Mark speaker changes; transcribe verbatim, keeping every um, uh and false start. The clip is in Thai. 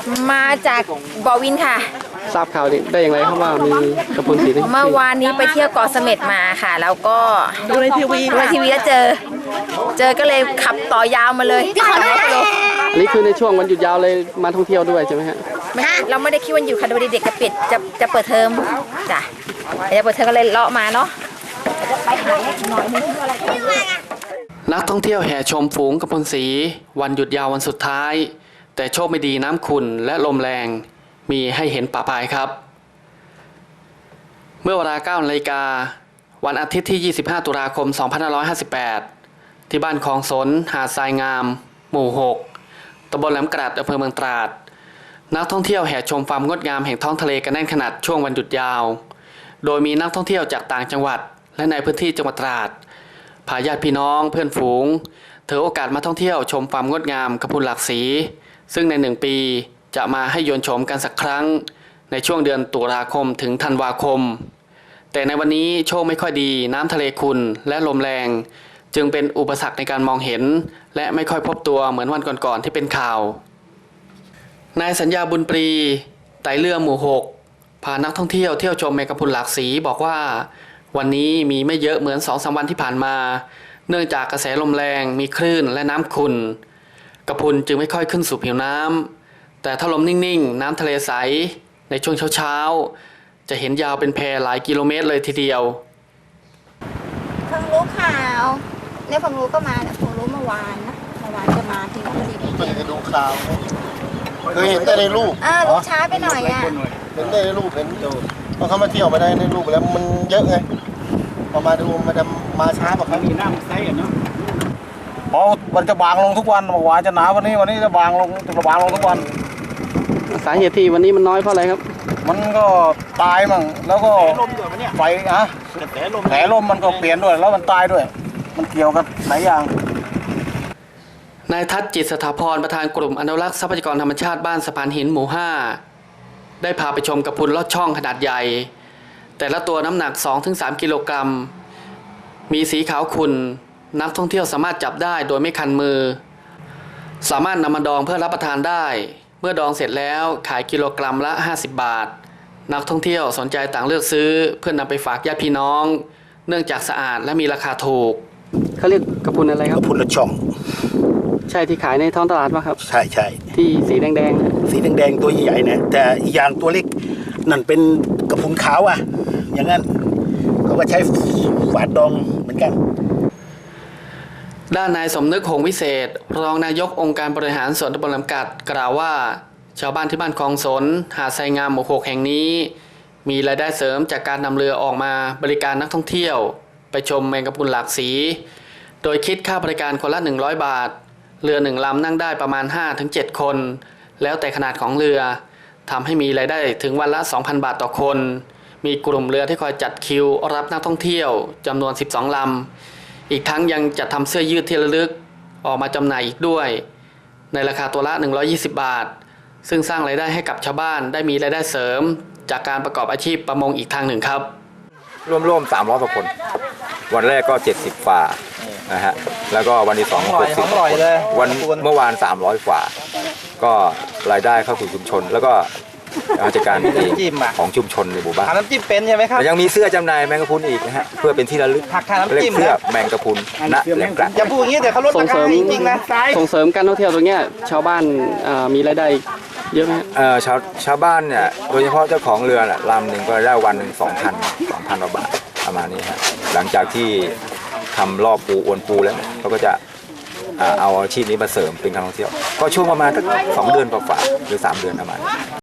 Speaker 1: มาจากบ่อวินค่ะ
Speaker 2: ทราบข่าวได้อย่างไรครับว่ามีกระพุนสี
Speaker 1: เมื่อวานนี้ไปเที่ยวเกาะเสม็ดมาค่ะแล้วก็
Speaker 3: ดูในทีวี
Speaker 1: ดูในทีวีแล้วเจอ เจอก็เลยขับต่อยาวมาเลยที่ขอโล
Speaker 2: อันนี้คือในช่วงวันหยุดยาวเลยมาท่องเที่ยวด้วยใช่ไหมฮะ
Speaker 1: เราไม่ได้คิดวันอยู่ค่ะดูเด็กจะปิดจะจะเปิดเทอมจ้ะจะเปิดเทอมก็เลยเลาะมาเนาะจะไปหาหน่อยนึงอะไร
Speaker 2: นักท่องเที่ยวแห่ชมฝูงกระพุนสีวันหยุดยาววันสุดท้ายแต่โชคไม่ดีน้ำขุ่นและลมแรงมีให้เห็นปะปายครับเมื่อเวลา เก้านาฬิกาวันอาทิตย์ที่ ยี่สิบห้า ตุลาคม สองพันห้าร้อยห้าสิบแปด ที่บ้านคลองสนหาดทรายงาม หมู่ หก ตำบลแหลมกระดอำเภอเมืองตราดนักท่องเที่ยวแห่ชมความงดงามแห่งท้องทะเลกันแน่นขนาดช่วงวันหยุดยาวโดยมีนักท่องเที่ยวจากต่างจังหวัดและในพื้นที่จังหวัดตราดพาญาติพี่น้องเพื่อนฝูงถือโอกาสมาท่องเที่ยวชมความงดงามกระพุนหลากสีซึ่งในหนึ่งปีจะมาให้ยนต์ชมกันสักครั้งในช่วงเดือนตุลาคมถึงธันวาคมแต่ในวันนี้โชคไม่ค่อยดีน้ำทะเลขุ่นและลมแรงจึงเป็นอุปสรรคในการมองเห็นและไม่ค่อยพบตัวเหมือนวันก่อนๆที่เป็นข่าวนายสัญญาบุญปรีไต่เรือหมู่หกพานักท่องเที่ยวเที่ยวชมแมงกะพรุนหลากสีบอกว่าวันนี้มีไม่เยอะเหมือน สองสาม วันที่ผ่านมาเนื่องจากกระแสลมแรงมีคลื่นและน้ำขุ่นกระพุนจึงไม่ค่อยขึ้นสู่ผิวน้ำแต่ถ้าลมนิ่งๆน้ำทะเลใสในช่วงเช้าๆจะเห็นยาวเป็นแพหลายกิโลเมตรเลยทีเดียว
Speaker 1: เพิ่งรู้ข่าวเนี่ยผมรู้ก็มาเนี่ยผมรู้เมื่อวานนะเมื่อวานจะมาที่นี่พอดี
Speaker 4: เพิ่งจะดูข่าวเคยเห็นแต่ในรูป
Speaker 1: อ่าลูกช้าไปหน่อยอ่ะ
Speaker 4: เห็นได้ในรูปเห็นดูพอเขามาเที่ยวมาได้ในรูปแล้วมันเยอะไงพอมาดูมันจะมาช้ากว่าเขามีน้ำใสอ่ะเนาะเพราะมันจะบางลงทุกวันเมื่อวานจะหนาวันนี้วันนี้จะบางลงจะบางลงทุกวัน
Speaker 2: สาเหตุที่วันนี้มันน้อยเพราะอะไรครับ
Speaker 4: มันก็ตายมั่งแล้วก็ไฟอะแผลลมมันก็เปลี่ยนด้วยแล้วมันตายด้วยมันเกี่ยวกับหลายอย่าง
Speaker 2: นายทัศน์จิตสถาพรประธานกลุ่มอนุรักษ์ทรัพยากรธรรมชาติบ้านสะพานหินหมู่ห้าได้พาไปชมกระพุนลอดช่องขนาดใหญ่แต่ละตัวน้ำหนัก สองถึงสาม กิโลกรัมมีสีขาวขุ่นนักท่องเที่ยวสามารถจับได้โดยไม่คันมือสามารถนำมาดองเพื่อรับประทานได้เมื่อดองเสร็จแล้วขายกิโลกรัมละห้าสิบบาทนักท่องเที่ยวสนใจต่างเลือกซื้อเพื่อนนำไปฝากญาติพี่น้องเนื่องจากสะอาดและมีราคาถูกเขาเรียกกระพุนอะไรครับ
Speaker 4: กระพุนลอดช่อง
Speaker 2: ใช่ที่ขายในท้องตลาดป่ะครับ
Speaker 4: ใช่ใช่
Speaker 2: ที่สีแดง
Speaker 4: ๆสีแดงๆตัวใหญ่ๆนะแต่อีกอย่างตัวเล็กนั่นเป็นกระพุนขาวอ่ะอย่างนั้นเขาก็ใช้ฝาดดองเหมือนกัน
Speaker 2: ด้านนายสมนึกหงวิเศษรองนายกองค์การบริหารส่วนตำบลลำกัดกล่าวว่าชาวบ้านที่บ้านคลองสนหาดทรายงามหมู่หกแห่งนี้มีรายได้เสริมจากการนำเรือออกมาบริการนักท่องเที่ยวไปชมแมงกะพรุนหลากสีโดยคิดค่าบริการคนละหนึ่งร้อยบาทเรือหนึ่งลำนั่งได้ประมาณ ห้าถึงเจ็ด คนแล้วแต่ขนาดของเรือทำให้มีรายได้ถึงวันละ สองพัน บาทต่อคนมีกลุ่มเรือที่คอยจัดคิวรับนักท่องเที่ยวจำนวนสิบสองลำอีกทั้งยังจัดทำเสื้อยืดที่ระลึกออกมาจำหน่ายอีกด้วยในราคาตัวละหนึ่งร้อยยี่สิบบาทซึ่งสร้างรายได้ให้กับชาวบ้านได้มีรายได้เสริมจากการประกอบอาชีพประมงอีกทางหนึ่งครับ
Speaker 5: ร่วมๆสามร้อยกว่าคนวันแรกก็เจ็ดสิบฝ่านะฮะแล้วก็วันที่สองหกสิบวันเมื่อวานสามร้อยฝ่าก็รายได้เข้าสู่ชุมชนแล้วก็กิจการของชุมชนในหมู่บ้าน
Speaker 3: น้ำจิ้มเป็นใช่ไหมครับ
Speaker 5: ยังมีเสื้อจำหน่ายแมงกะพรุนอีกนะฮะเพื่อเป็นที่ระลึกเรียกเสื้อแมงกะพรุนณแหลมกระ
Speaker 3: อย่าพูดอย่างนี้เดี๋ยวเขาลดราคาจริงๆนะ
Speaker 2: ส่งเสริมการท่องเที่ยวตรงนี้ชาวบ้านมีรายได้เยอะไหม
Speaker 5: เออชาวชาวบ้านเนี่ยโดยเฉพาะเจ้าของเรือลำหนึ่งก็ได้วันหนึ่งสองพันสองพันบาทประมาณนี้ฮะหลังจากที่ทำรอบปูอวนปูแล้วเขาก็จะเอาอาชีพนี้มาเสริมเป็นการท่องเที่ยวก็ช่วงประมาณสักสองเดือนกว่าหรือสามเดือนประมาณ